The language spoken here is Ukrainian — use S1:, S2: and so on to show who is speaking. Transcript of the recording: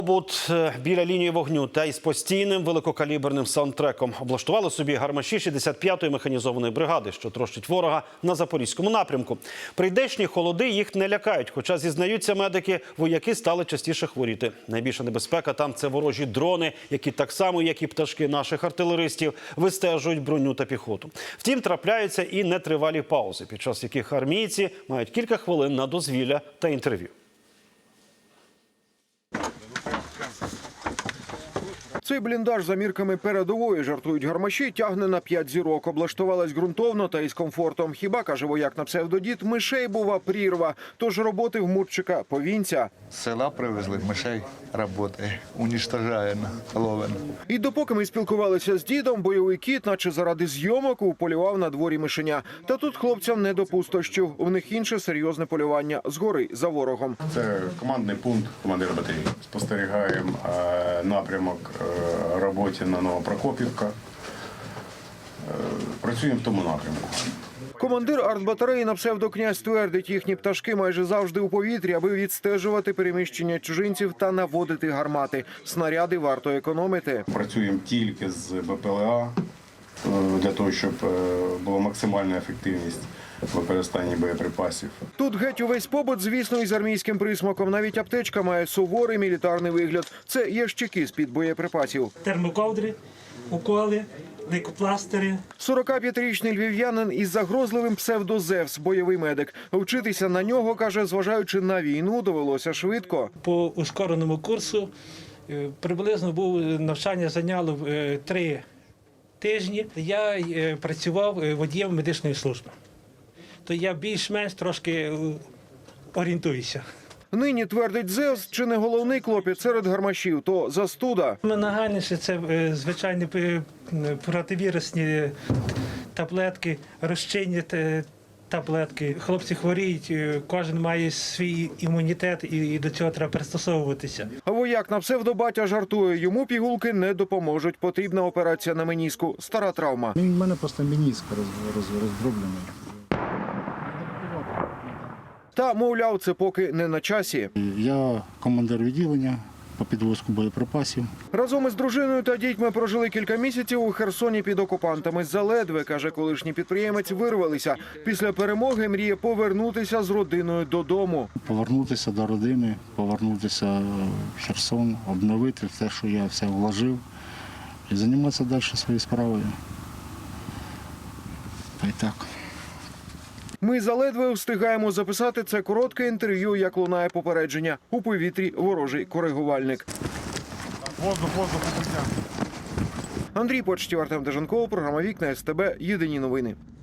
S1: Побут біля лінії вогню та із постійним великокаліберним саундтреком облаштували собі гармаші 65-ї механізованої бригади, що трощить ворога на Запорізькому напрямку. Прийдешні холоди їх не лякають, хоча, зізнаються медики, вояки стали частіше хворіти. Найбільша небезпека там – це ворожі дрони, які так само, як і пташки наших артилеристів, вистежують броню та піхоту. Втім, трапляються і нетривалі паузи, під час яких армійці мають кілька хвилин на дозвілля та інтерв'ю.
S2: Цей бліндаж за мірками передової, жартують гармаші, тягне на 5 зірок. Облаштувалась ґрунтовно та із комфортом. Хіба, каже вояк на псевдодід, мишей бува прірва. Тож роботи в Мурчика повінця.
S3: З села привезли мишей, працює, уничтожає, ловимо.
S2: І допоки ми спілкувалися з дідом, бойовий кіт, наче заради зйомок, уполював на дворі мишеня. Та тут хлопцям не до пустощів. У них інше серйозне полювання згори за ворогом.
S4: Це командний пункт командира батареї. Спостерігаємо напрямок роботи на Новопрокопівка. Працюємо в тому напрямку.
S2: Командир артбатареї на псевдокнязь твердить, їхні пташки майже завжди у повітрі, аби відстежувати переміщення чужинців та наводити гармати. Снаряди варто економити.
S4: Працюємо тільки з БПЛА, для того, щоб була максимальна ефективність в використанні боєприпасів.
S2: Тут геть увесь побут, звісно, із армійським присмаком. Навіть аптечка має суворий мілітарний вигляд. Це ящики з-під боєприпасів.
S5: Термоковдри, уколи, лейкопластири.
S2: 45-річний львів'янин із загрозливим псевдозевс, бойовий медик. Вчитися на нього, каже, зважаючи на війну, довелося швидко.
S5: По ускореному курсу приблизно навчання зайняло 3 тижні. Я працював водієм медичної служби. То я більш-менш трошки орієнтуюся.
S2: Нині, твердить Зевс, чи не головний клопіт серед гармашів, то застуда.
S5: Нагальніше це звичайні противірусні таблетки, розчинні таблетки. Хлопці хворіють, кожен має свій імунітет і до цього треба пристосовуватися.
S2: А вояк на псевдобатя жартує, йому пігулки не допоможуть. Потрібна операція на меніску. Стара травма.
S6: У мене просто меніск роздроблений.
S2: Та, мовляв, це поки не на часі.
S6: Я командир відділення по підвозку боєприпасів.
S2: Разом із дружиною та дітьми прожили кілька місяців у Херсоні під окупантами. Заледве, каже колишній підприємець, вирвалися. Після перемоги мріє повернутися з родиною додому.
S6: Повернутися до родини, повернутися в Херсон, обновити те, що я все вложив, і займатися далі своєю справою. Та й так.
S2: Ми заледве встигаємо записати це коротке інтерв'ю, як лунає попередження. У повітрі ворожий коригувальник.
S7: Воздух, укриття.
S2: Андрій Почтів, Артем Деженков, програма «Вікна СТБ». Єдині новини.